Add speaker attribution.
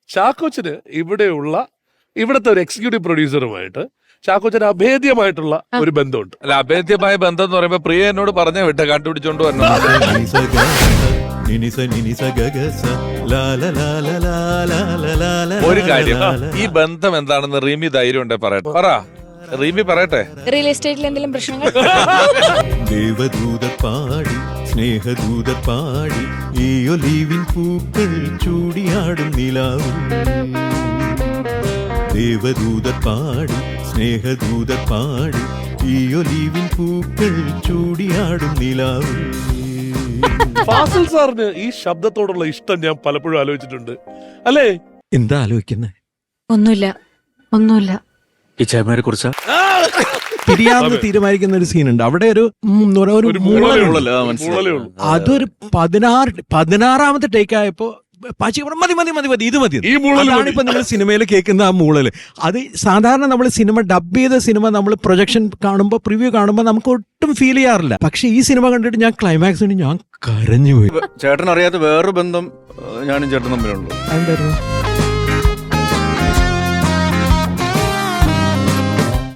Speaker 1: ചാക്കോച്ചന് ഇവിടുത്തെ ഒരു എക്സിക്യൂട്ടീവ് പ്രൊഡ്യൂസറുമായിട്ട് ചാക്കോച്ചന് അഭേദ്യമായിട്ടുള്ള ഒരു ബന്ധമുണ്ട്.
Speaker 2: അല്ല, അഭേദ്യമായ ബന്ധം എന്ന് പറയുമ്പോ പ്രിയ എന്നോട് പറഞ്ഞ വിട്ട കണ്ടുപിടിച്ചോണ്ട് വരണം. ഒരു കാര്യം, ഈ ബന്ധം എന്താണെന്ന് റീമി ധൈര്യം ഉണ്ടെ പറയട്ടെ. റീമി പറയട്ടെ.
Speaker 3: റിയൽ എസ്റ്റേറ്റിൽ എന്തെങ്കിലും പ്രശ്നങ്ങൾ?
Speaker 4: ദേവദൂതർ പാടി സ്നേഹദൂതർ പാടി ഈ ഒലീവിൻ പൂക്കൾ ചൂടിയാടും നിലാവും. ദേവദൂതർ പാടി സ്നേഹദൂതർ പാടി ഈ ഒലീവിൻ പൂക്കൾ ചൂടിയാടും നിലാവും.
Speaker 1: ഫാസിൽ സാറിന് ഈ ശബ്ദത്തോടുള്ള ഇഷ്ടം ഞാൻ പലപ്പോഴും ആലോചിച്ചിട്ടുണ്ട്, അല്ലേ?
Speaker 4: എന്താ ആലോചിക്കുന്നത്?
Speaker 3: ഒന്നുമില്ല.
Speaker 5: ഈ ചേമാരെ കുറിച്ചാ
Speaker 4: പിരിയാമെന്ന് തീരുമാനിക്കുന്ന ഒരു സീനുണ്ട്. അവിടെ ഒരു അതൊരു 16ാമത്തെ ടേക്ക് ആയപ്പോ പാച്ചി മതി ഇത് മതി. അതാണിപ്പോ നിങ്ങൾ സിനിമയിൽ കേൾക്കുന്ന ആ മൂളല്. അത് സാധാരണ നമ്മൾ സിനിമ ഡബ് ചെയ്ത സിനിമ നമ്മൾ പ്രൊജക്ഷൻ കാണുമ്പോൾ പ്രിവ്യൂ കാണുമ്പോൾ നമുക്ക് ഒട്ടും ഫീൽ ചെയ്യാറില്ല. പക്ഷെ ഈ സിനിമ കണ്ടിട്ട് ഞാൻ ക്ലൈമാക്സിന് ഞാൻ കരഞ്ഞുപോയി.
Speaker 5: ചേട്ടൻ അറിയാത്ത വേറൊരു ബന്ധം ഞാനും ചേട്ടൻ തമ്മിലുള്ളൂ.
Speaker 4: എന്തായിരുന്നു?